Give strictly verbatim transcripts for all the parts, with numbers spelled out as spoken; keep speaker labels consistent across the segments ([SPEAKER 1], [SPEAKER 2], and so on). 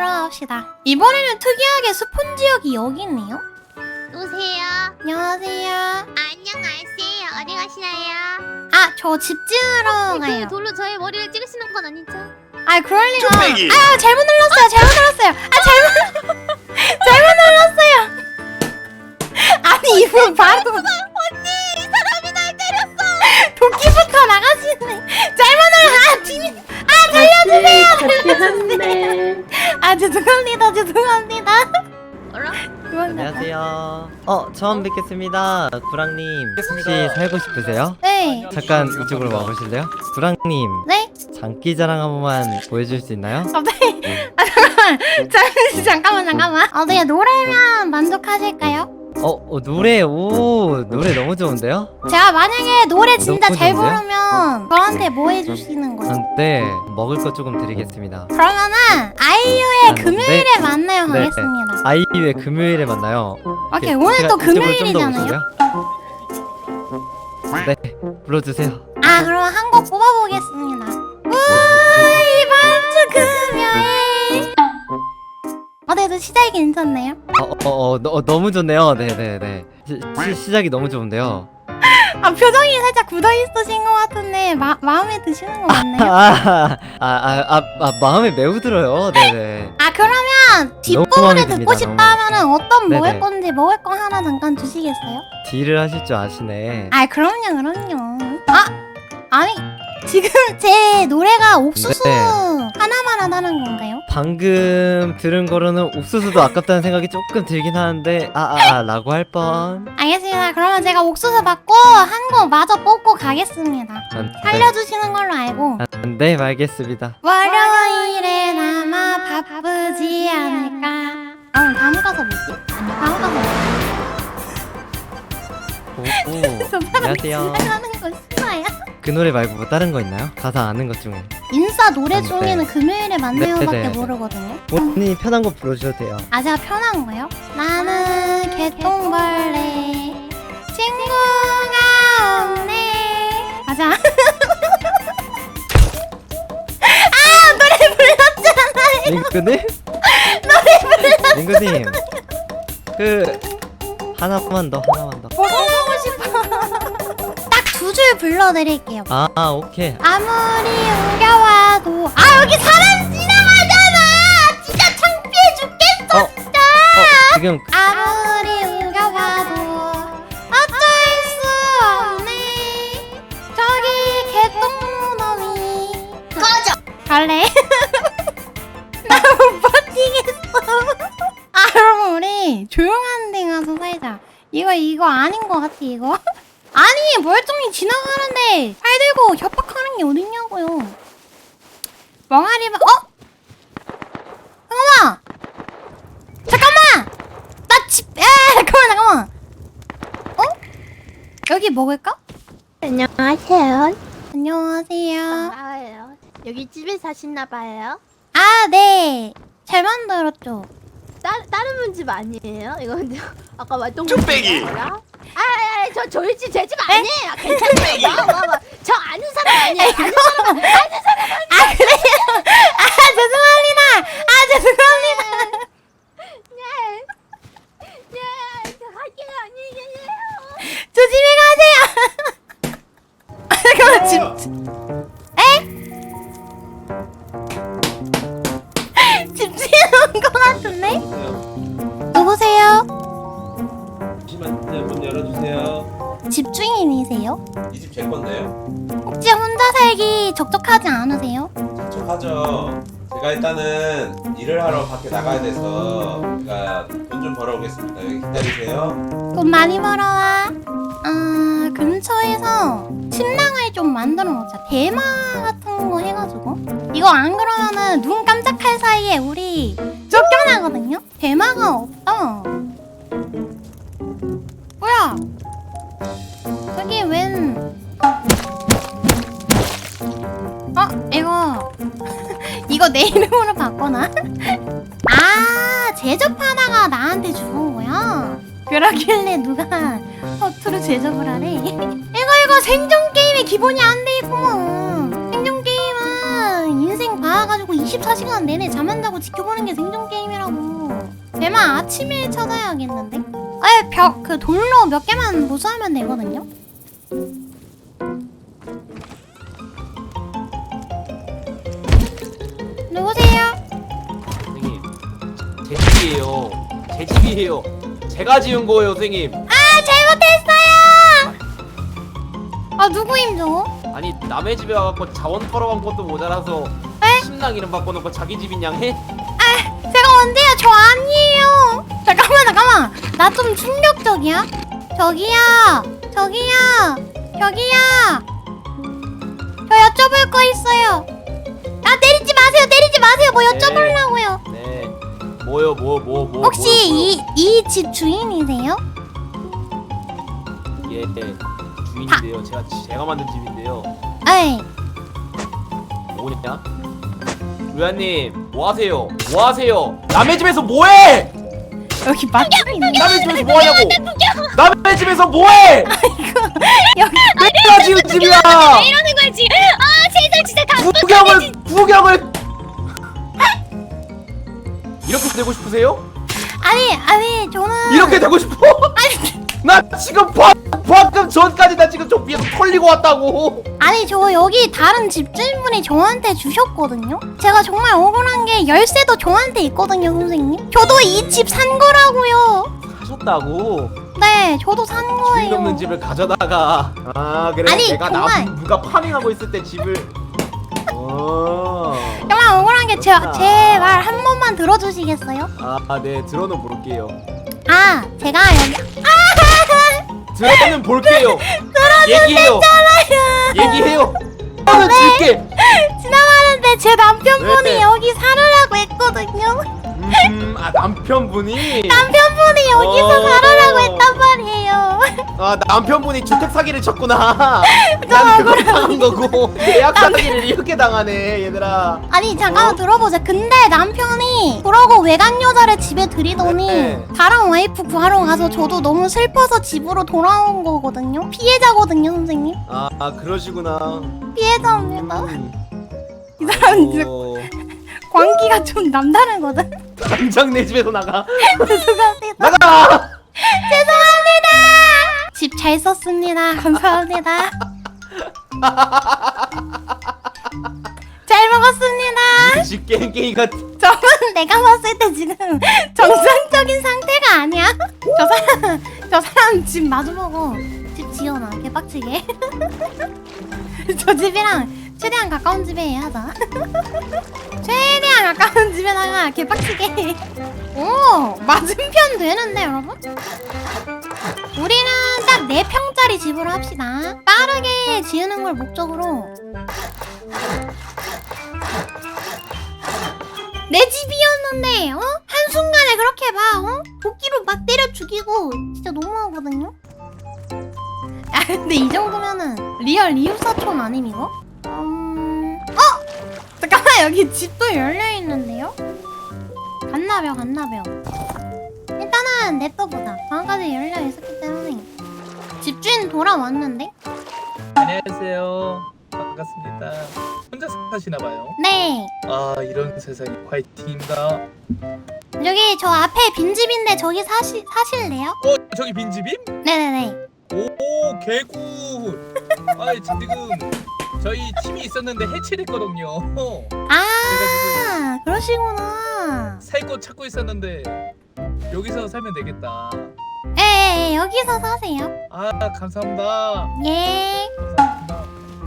[SPEAKER 1] 들어갑시다. 이번에는 특이하게 스폰 지역이 여기 있네요.
[SPEAKER 2] 누구세요?
[SPEAKER 1] 안녕하세요.
[SPEAKER 2] 안녕하세요. 어디 가시나요?
[SPEAKER 1] 아, 저 집 지으러 가요.
[SPEAKER 2] 그 돌로 저의 머리를 찍으시는 건 아니죠?
[SPEAKER 1] 아, 그럴 리가.
[SPEAKER 3] 쭈빼기.
[SPEAKER 1] 아, 잘못 눌렀어요. 잘못 눌렀어요. 아, 잘못 잘못 눌렀어요. 아니, 이분 바로
[SPEAKER 2] 언니! 이 사람이 날 때렸어!
[SPEAKER 1] 도끼부터 나가시네. 잘못 눌렀. 아, 팀이. 아, 살려주세요. 살려주세요. 아, 죄송합니다. 죄송합니다.
[SPEAKER 2] 어라?
[SPEAKER 4] 안녕하세요. 어, 처음 뵙겠습니다. 구랑님, 혹시 살고 싶으세요?
[SPEAKER 1] 네.
[SPEAKER 4] 잠깐 이쪽으로 와보실래요? 구랑님,
[SPEAKER 1] 네?
[SPEAKER 4] 장기자랑 한 번만 보여줄 수 있나요?
[SPEAKER 1] 갑자기. 아, 잠깐만. 잠- 잠깐만, 잠깐만. 어, 네, 노래면 만족하실까요?
[SPEAKER 4] 어, 어, 노래, 오, 노래 너무 좋은데요?
[SPEAKER 1] 제가 만약에 노래 진짜
[SPEAKER 4] 너무
[SPEAKER 1] 잘
[SPEAKER 4] 좋은데요?
[SPEAKER 1] 부르면 저한테 뭐 해주시는 거죠?
[SPEAKER 4] 아, 네, 먹을 거 조금 드리겠습니다.
[SPEAKER 1] 그러면은 아이유의
[SPEAKER 4] 아,
[SPEAKER 1] 금요일에 만나요
[SPEAKER 4] 네.
[SPEAKER 1] 하겠습니다.
[SPEAKER 4] 아이유의 금요일에 만나요.
[SPEAKER 1] 오케이,
[SPEAKER 4] 이렇게
[SPEAKER 1] 오늘
[SPEAKER 4] 제가
[SPEAKER 1] 또
[SPEAKER 4] 이쪽으로 좀더
[SPEAKER 1] 금요일이잖아요.
[SPEAKER 4] 오실래요? 네, 불러주세요.
[SPEAKER 1] 아, 그럼 한 곡 뽑아보겠습니다. 우와, 이번 주 금요일. 어때도 시작이 괜찮네요?
[SPEAKER 4] 어, 어, 어, 너, 어, 너무 좋네요. 네, 네, 네. 시, 시, 시작이 너무 좋은데요.
[SPEAKER 1] 아, 표정이 살짝 굳어있으신 것 같은데 마, 마음에 드시는 거 맞나요?
[SPEAKER 4] 아, 아, 아, 아, 아, 마음에 매우 들어요. 네, 네.
[SPEAKER 1] 아, 그러면
[SPEAKER 4] 마음에
[SPEAKER 1] 뒷부분을
[SPEAKER 4] 듭니다,
[SPEAKER 1] 듣고 싶다 하면은 어떤 먹을
[SPEAKER 4] 네네.
[SPEAKER 1] 건지 먹을 거 하나 잠깐 주시겠어요?
[SPEAKER 4] 딜을 하실 줄 아시네.
[SPEAKER 1] 아, 그럼요, 그럼요. 아, 아니 지금 제 노래가 옥수수
[SPEAKER 4] 네.
[SPEAKER 1] 하나만 하다는 건가요?
[SPEAKER 4] 방금 들은 거로는 옥수수도 아깝다는 생각이 조금 들긴 하는데 아, 아, 아 라고 할 뻔.
[SPEAKER 1] 알겠습니다. 그러면 제가 옥수수 받고 한 거 마저 뽑고 가겠습니다.
[SPEAKER 4] 아, 네.
[SPEAKER 1] 살려주시는 걸로 알고.
[SPEAKER 4] 아, 네, 알겠습니다.
[SPEAKER 1] 월요일엔 아마 바쁘지 않을까. 어, 다음 가사 뭐지? 다음 가사 뭐지?
[SPEAKER 4] 오, 오. 안녕하세요.
[SPEAKER 1] 하는 거 싫어요?
[SPEAKER 4] 그 노래 말고 뭐 다른 거 있나요? 가사 아는 것 중에.
[SPEAKER 1] 인싸 노래
[SPEAKER 4] 아, 네.
[SPEAKER 1] 중에는 금요일에 만나요밖에
[SPEAKER 4] 네, 네, 네.
[SPEAKER 1] 모르거든요.
[SPEAKER 4] 본인이 편한 거 불러주셔도 돼요.
[SPEAKER 1] 아, 제가 편한 거요? 나는 개똥벌레 친구가 없네. 맞아. 아, 노래 불렀잖아요.
[SPEAKER 4] 링크님? 노래 불러. 링크님. 그 하나만 더, 하나만 더.
[SPEAKER 1] 뭐 하고 싶어. 딱 두 줄 불러드릴게요.
[SPEAKER 4] 아, 아, 오케이.
[SPEAKER 1] 아무리 옮겨와도 아, 여기 사람 지나가잖아. 진짜 창피해 죽겠어.
[SPEAKER 4] 어, 어, 지금
[SPEAKER 1] 아무리 옮겨봐도 어쩔 수 없네. 저기 개똥무덤이 꺼져. 갈래? 나 못 버티겠어. 아, 그럼 우리 조용한 데 가서 살자. 이거 이거 아닌 것 같아 이거. 아니, 멀쩡히 지나가는데 팔 들고 협박하는 게 어딨냐고요. 멍하리만. 어? 잠깐만. 잠깐만. 나 집. 에 잠깐만 잠깐만. 어? 여기 먹을까?
[SPEAKER 2] 안녕하세요.
[SPEAKER 1] 안녕하세요.
[SPEAKER 2] 아예요. 여기 집에 사시나 봐요.
[SPEAKER 1] 아, 네. 잘 만들었죠.
[SPEAKER 2] 따, 다른 분 집 아니에요? 이거 근데 아까 말똥
[SPEAKER 3] 쭈빼기.
[SPEAKER 2] 아아아 저 저희 집 제 집 아니에요. 괜찮아요. 와, 와, 와. 저 아는 사람 아니에요. 아는 사람 아는 사람
[SPEAKER 1] 아, 그래요? 아, 죄송합니다. 아, 죄송합니다.
[SPEAKER 2] 네. 네. 저 할게요. 안녕히 계세요.
[SPEAKER 1] 조심히 가세요. 아, 잠깐만, 집. 에? 집주인 온것 같은데? 누구세요?
[SPEAKER 3] 잠시만요. 문 열어주세요.
[SPEAKER 1] 집주인이세요?
[SPEAKER 3] 이 집 제 건데요.
[SPEAKER 1] 혹시 혼자 살기 적적하지 않으세요?
[SPEAKER 3] 척척하죠. 제가 일단은 일을 하러 밖에 나가야 돼서 제가 돈 좀 벌어오겠습니다. 여기 기다리세요.
[SPEAKER 1] 돈 많이 벌어와. 아, 근처에서 침낭을 좀 만들어 놓자. 대마 같은 거 해가지고. 이거 안 그러면은 눈 깜짝할 사이에 우리 쫓겨나거든요? 대마가 없다. 뭐야? 저기 웬. 어? 이거. 이거 내 이름으로 바꿔놔? 아, 제접하다가 나한테 주는 거야? 그러길래 누가 허투루 제접을 하래? 이거 이거 생존 게임의 기본이 안 돼 있구먼. 생존 게임은 인생 봐가지고 이십사 시간 내내 잠 안 자고 지켜보는 게 생존 게임이라고. 대만 아침일 찾아야겠는데? 에, 벽, 그 돌로 몇 개만 보수하면 되거든요? 누구세요?
[SPEAKER 5] 선생님, 제 집이에요. 제 집이에요. 제가 지은 거예요, 선생님.
[SPEAKER 1] 아, 잘못했어요! 아, 누구임, 저거?
[SPEAKER 5] 아니 남의 집에 와갖고 자원 털어간 것도 모자라서
[SPEAKER 1] 에?
[SPEAKER 5] 신랑 이름 바꿔놓고 자기 집인 양 해?
[SPEAKER 1] 아, 제가 언제요? 저 아니에요. 잠깐만, 잠깐만. 나 좀 충격적이야. 저기요, 저기요, 저기요. 저 여쭤볼 거 있어요. 아, 때리지 마세요, 때리지 마세요. 뭐 여쭤보려고요.
[SPEAKER 5] 네. 뭐요, 뭐, 뭐, 뭐.
[SPEAKER 1] 혹시
[SPEAKER 5] 뭐요, 뭐요?
[SPEAKER 1] 이 이 집 주인이세요?
[SPEAKER 5] 예, 네. 주인인데요. 제가 제가 만든 집인데요.
[SPEAKER 1] 에이,
[SPEAKER 5] 뭐냐? 루야님, 뭐 하세요? 뭐 하세요? 남의 집에서 뭐해?
[SPEAKER 1] 여기 맛집이 있네.
[SPEAKER 5] 남의 집에서 뭐 하냐고? 남의 집에서 뭐해?
[SPEAKER 1] 여기
[SPEAKER 5] 내가 지은 집이야.
[SPEAKER 2] 이러는 거지. 아 세상 진짜 다
[SPEAKER 5] 구경을 구경을 이렇게 되고 싶으세요?
[SPEAKER 1] 아니 아니 저는
[SPEAKER 5] 이렇게 되고 싶어?
[SPEAKER 1] 아니
[SPEAKER 5] 나 지금 바, 방금 전까지 나 지금 저 위에서 털리고 왔다고.
[SPEAKER 1] 아니 저 여기 다른 집주인분이 저한테 주셨거든요. 제가 정말 억울한 게 열쇠도 저한테 있거든요, 선생님. 저도 이 집 산 거라고요.
[SPEAKER 5] 하셨다고?
[SPEAKER 1] 네, 저도 산
[SPEAKER 5] 주인
[SPEAKER 1] 거예요.
[SPEAKER 5] 없는 집을 가져다가. 아 그래.
[SPEAKER 1] 아니,
[SPEAKER 5] 내가
[SPEAKER 1] 정말.
[SPEAKER 5] 남 누가 파밍하고 있을 때 집을. 어.
[SPEAKER 1] 정말 억울한 게 제
[SPEAKER 5] 그렇구나.
[SPEAKER 1] 제 말 한 번만 들어주시겠어요?
[SPEAKER 5] 아, 네 들어는 볼게요.
[SPEAKER 1] 아, 제가 여기
[SPEAKER 5] 들어는 볼게요. 얘기해요. 얘기해요. 저는 줄게.
[SPEAKER 1] 지나가는데 제 남편분이
[SPEAKER 5] 네.
[SPEAKER 1] 여기 살으라고 했거든요.
[SPEAKER 5] 음, 아 남편분이.
[SPEAKER 1] 남편분이 여기서
[SPEAKER 5] 어.
[SPEAKER 1] 살으라고 했단 말이에요.
[SPEAKER 5] 아 남편분이 주택 사기를 쳤구나. 난 그걸 당한 거고 계약 사기를 이렇게 당하네 얘들아.
[SPEAKER 1] 아니 잠깐만
[SPEAKER 5] 어?
[SPEAKER 1] 들어보자. 근데 남편이 그러고 외간 여자를 집에 들이더니
[SPEAKER 5] 네.
[SPEAKER 1] 다른 와이프 구하러 가서 저도 너무 슬퍼서 집으로 돌아온 거거든요. 피해자거든요, 선생님.
[SPEAKER 5] 아, 아 그러시구나.
[SPEAKER 1] 피해자입니다.
[SPEAKER 5] 음.
[SPEAKER 1] 이 사람 진짜
[SPEAKER 5] 아이고,
[SPEAKER 1] 광기가 좀 남다르거든.
[SPEAKER 5] 당장 내 집에서 나가.
[SPEAKER 1] 죄송합니다.
[SPEAKER 5] 나가.
[SPEAKER 1] 죄송합니다. 집 잘 썼습니다. 감사합니다. 잘 먹었습니다.
[SPEAKER 5] 집 깽깽이 같.
[SPEAKER 1] 저는 내가 봤을 때 지금 정상적인 상태가 아니야. 저 사람 저 사람 집 마주보고 집 지어놔 개빡치게. 저 집이랑 최대한 가까운 집에 하자. 최대한 가까운 집에다가 개빡치게. 오, 맞은편 되는데 여러분? 우리는 딱 네 평짜리 집으로 합시다. 빠르게 지으는 걸 목적으로. 내 집이었는데 어? 한순간에 그렇게 막 어? 도끼로 막 때려 죽이고 진짜 너무하거든요? 아 근데 이 정도면은 리얼 리우사촌 아님 이거? 음... 어! 잠깐만 여기 집도 열려있는데요? 갔나벼 갔나벼 일단은 냅둬보자. 방금까지 열려있었기 때문에 집주인 돌아왔는데?
[SPEAKER 6] 안녕하세요. 반갑습니다. 혼자 사시나봐요.
[SPEAKER 1] 네
[SPEAKER 6] 아 이런 세상에 화이팅입니다.
[SPEAKER 1] 여기 저 앞에 빈집인데 저기 사시, 사실래요?
[SPEAKER 6] 어 저기 빈집임?
[SPEAKER 1] 네네네.
[SPEAKER 6] 오 개굿. 아 지금 저희 팀이 있었는데 해체됐거든요.
[SPEAKER 1] 아 그러시구나.
[SPEAKER 6] 살 곳 찾고 있었는데 여기서 살면 되겠다.
[SPEAKER 1] 에 여기서 사세요.
[SPEAKER 6] 아 감사합니다.
[SPEAKER 1] 예.
[SPEAKER 6] 감사합니다.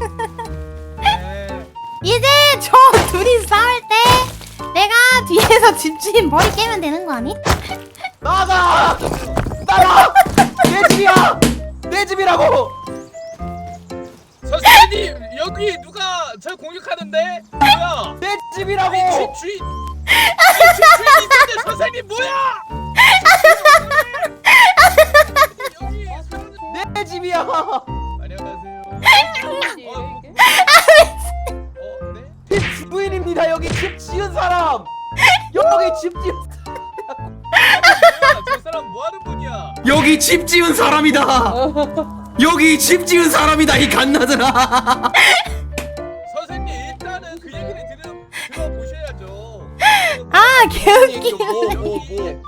[SPEAKER 6] 네.
[SPEAKER 1] 이제 저 둘이 싸울 때 내가 뒤에서 집주인 머리 깨면 되는 거 아니?
[SPEAKER 5] 나가. 나가. 내 집이야. 내 집이라고.
[SPEAKER 6] 선생님 여기 누가 저 공격하는데? 뭐야?
[SPEAKER 5] 내 집이라고.
[SPEAKER 6] 아니 집 주인. 아니 집 주인 있는데 선생님 뭐야? 여기 사람들-
[SPEAKER 5] 내 집이야.
[SPEAKER 6] 안녕하세요. 어, 뭐- 어, 네?
[SPEAKER 5] 집 주인입니다. 여기 집 지은 사람. 여기 집 지은.
[SPEAKER 6] 뭐야? 저 사람 뭐 하는 분이야?
[SPEAKER 7] 여기 집 지은 사람이다. 여기 집 지은 사람이다 이 갓나들아.
[SPEAKER 6] 선생님 일단은 그 얘기를 들으면
[SPEAKER 1] 개웃기.
[SPEAKER 5] 뭐, 뭐, 뭐.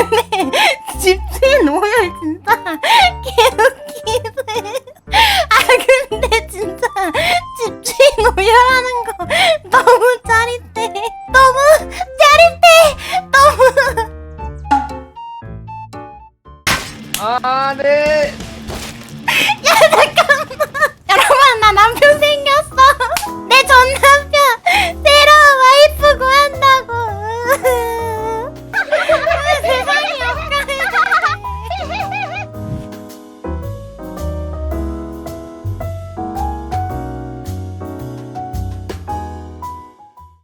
[SPEAKER 1] 집주인 오열 진짜 개웃기네. 아 근데 진짜 집주인 오열하는 거 너무 짜릿해. 너무